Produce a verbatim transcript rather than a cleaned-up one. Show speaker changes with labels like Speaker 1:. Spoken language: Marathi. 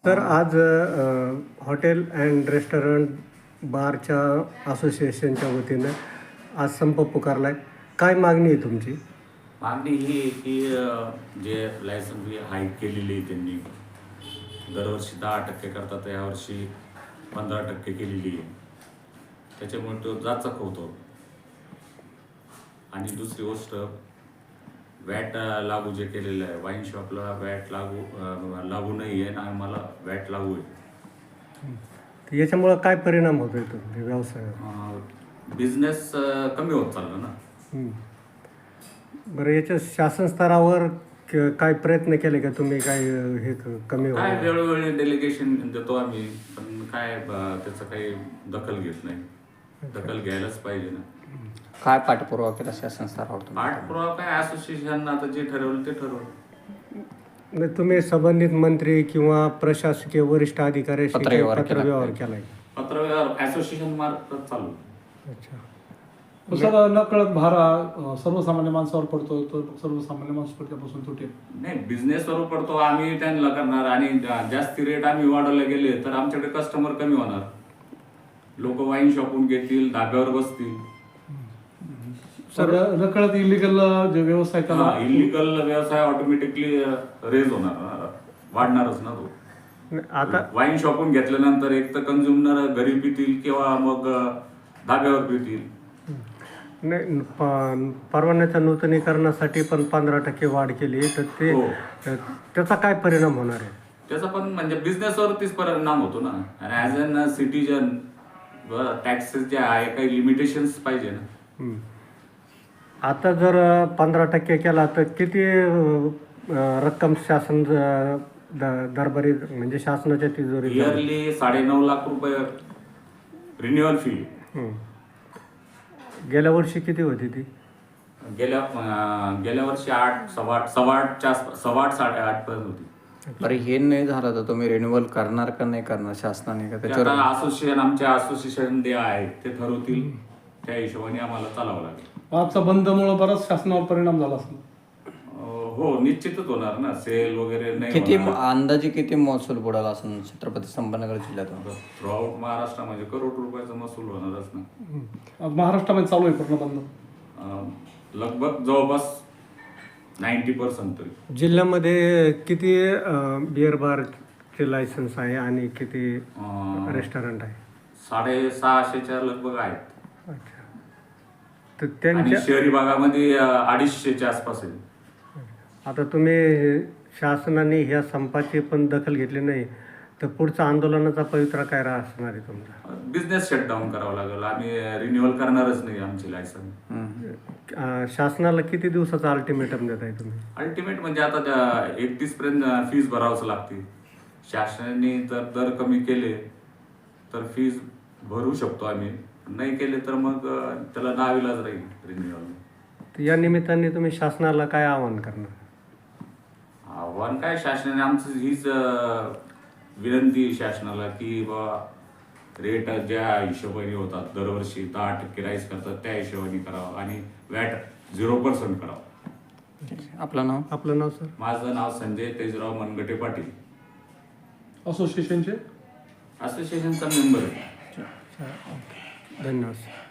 Speaker 1: तर आज अ, हॉटेल अँड रेस्टॉरंट बारच्या असोसिएशनच्या वतीनं आज संप पुकारला आहे. काय मागणी आहे तुमची?
Speaker 2: मागणी ही आहे की अ, जे लायसन फी हाईक केलेली आहे त्यांनी दरवर्षी दहा टक्के करतात, यावर्षी पंधरा टक्के केलेली आहे. त्याच्यामुळे तो जाचक होतो. आणि दुसरी गोष्ट वॅट लागू जे केलेलं आहे, वाईन शॉपला वॅट लागू अ, लागू नाही आहे आणि मला वॅट लागू आहे.
Speaker 1: तर याच्यामुळं काय परिणाम होतोय तुमच्या व्यवसायावर?
Speaker 2: बिझनेस कमी होत चालला ना.
Speaker 1: हं. बरं, याच्या शासन स्तरावर क- काय प्रयत्न केले का तुम्ही? काय अ, हे क- कमी
Speaker 2: काय
Speaker 1: होणार?
Speaker 2: वेळोवेळी डेलिगेशन देतो आम्ही, पण काय अ, त्याचं काही दखल घेत नाही. दखल घ्यायलाच पाहिजे ना.
Speaker 3: काय पाठपुरावा केला शासन स्तरावर तुम्ही?
Speaker 2: पाठपुरावा काय, असोसिएशन आता जे ठरवलं ते ठरवलं.
Speaker 1: नाही, तुम्ही संबंधित मंत्री किंवा प्रशासकीय वरिष्ठ अधिकाऱ्याशी
Speaker 3: पत्रव्यवहार
Speaker 1: काही
Speaker 3: केला
Speaker 1: पत्रव्यवहार
Speaker 3: का?
Speaker 1: केलाय?
Speaker 2: पत्रव्यवहार असोसिएशन मार्फत चालू.
Speaker 1: अच्छा.
Speaker 4: सर नकळत भार हा, सर्वसामान्य माणसावर पडतो, तो सर्वसामान्य माणूस त्यापासून तुटेल.
Speaker 2: नाही, बिझनेसवर पडतो, आम्ही त्यांना करणार आणि जा- जास्ती रेट आम्ही वाढवले गेले तर आमच्याकडे कस्टमर कमी होणार. लोक वाईन शॉपून घेतील, धाब्यावर बसतील.
Speaker 4: सर नकळत इलिगल जे व्यवसाय त्याला
Speaker 2: इलिगल व्यवसाय ऑटोमॅटिकली रेज होणार, वाढणारच ना तो.
Speaker 1: नाही, आता
Speaker 2: वाईन शॉपून घेतल्यानंतर एक तर कंझ्युमर घरी पितील किंवा मग अ, धाब्यावर पितील.
Speaker 1: नाही, प- परवान्याच्या नूतनीकरणासाठी पण पंधरा टक्के वाढ केली, तर ते
Speaker 2: हो.
Speaker 1: त्याचा काय परिणाम होणार आहे?
Speaker 2: त्याचा पण म्हणजे बिझनेसवरतीच परिणाम होतो ना. आणि ॲज अन सिटीजन टॅक्सेस जे आहे काही लिमिटेशन्स पाहिजे ना.
Speaker 1: हं. आता जर पंधरा टक्के केला तर किती अ, रक्कम शासन ज- द- दरबारी म्हणजे शासनाच्या तिजोरीत जाईल?
Speaker 2: इयरली साडेनऊ लाख रुपये रिन्युअल फी.
Speaker 1: हं. गेल्या वर्षी किती होती ती?
Speaker 2: गेल्या अं, गेल्या वर्षी आठ सव्वा आठ सव्वा आठच्या आसपास, सव्वा आठ साडेआठ पर्यंत होती.
Speaker 3: बरं, हे नाही झालं तर तुम्ही रिन्युअल करणार का नाही करणार शासनाने का
Speaker 2: ते
Speaker 3: त्याच्यावर?
Speaker 2: आता असोसिएशन आमच्या असोसिएशन जे आहेत ते ठरवतील, त्या हिशोबाने आम्हाला चालावं लागेल.
Speaker 4: आजचा बंदमुळे बराच शासनावर परिणाम झाला असेल.
Speaker 2: अं, हो, निश्चितच होणार ना. सेल वगैरे नाही
Speaker 3: किती
Speaker 2: होणार.
Speaker 3: अंदाजे किती महसूल बुडाला असं छत्रपती संभाजीनगर जिल्ह्यातून?
Speaker 2: थ्रू आउट महाराष्ट्रामध्ये करोड रुपयाचा महसूल होणारच ना.
Speaker 4: आज महाराष्ट्रामध्ये चालू आहे पूर्ण बंद.
Speaker 2: अं, लगभग जवळपास नाईन्टी पर्सेंट तरी.
Speaker 1: जिल्ह्यामध्ये किती बिअर बारचे लायसन्स आहे आणि किती
Speaker 2: अं,
Speaker 1: रेस्टॉरंट आहे?
Speaker 2: साडेसहाशेच्या लगभग आहेत.
Speaker 1: अच्छा. तर
Speaker 2: आणि
Speaker 1: त्यांच्या
Speaker 2: शहरी भागामध्ये अं, अडीचशेच्या आसपास आहे.
Speaker 1: आता तुम्ही शासनाने ह्या संपाची पण दखल घेतली नाही तर पुढचा आंदोलनाचा पवित्रा काय रा- असणार आहे तुमचा?
Speaker 2: बिझनेस शटडाऊन करावं लागेल. आम्ही रिन्युअल करणारच नाही आमची लायसन.
Speaker 1: अं, शासनाला किती दिवसाचा अल्टिमेटम देत आहे तुम्ही?
Speaker 2: अल्टिमेट म्हणजे आता एकतीस पर्यंत फीस भरावंच लागते. शासनाने जर दर कमी केले तर फीस भरू शकतो आम्ही, नाही केले तर मग अं, त्याला नाविलाज राहील रिन्युअल.
Speaker 1: तर या निमित्ताने तुम्ही शासनाला काय आवाहन करणार?
Speaker 2: आव्हान काय, शासनाने आमचं हीच अं, विनंती आहे शासनाला की बा रेट ज्या हिशोबाने होतात दरवर्षी दहा टक्के राईस करतात त्या हिशोबाने करावं आणि वॅट झिरो पर्सेंट करावं.
Speaker 3: आपलं नाव?
Speaker 1: आपलं नाव सर?
Speaker 2: माझं नाव संजय तेजराव मनगटे पाटील,
Speaker 4: असोसिएशनचे
Speaker 2: असोसिएशनचा मेंबर आहे.
Speaker 1: धन्यवाद सर.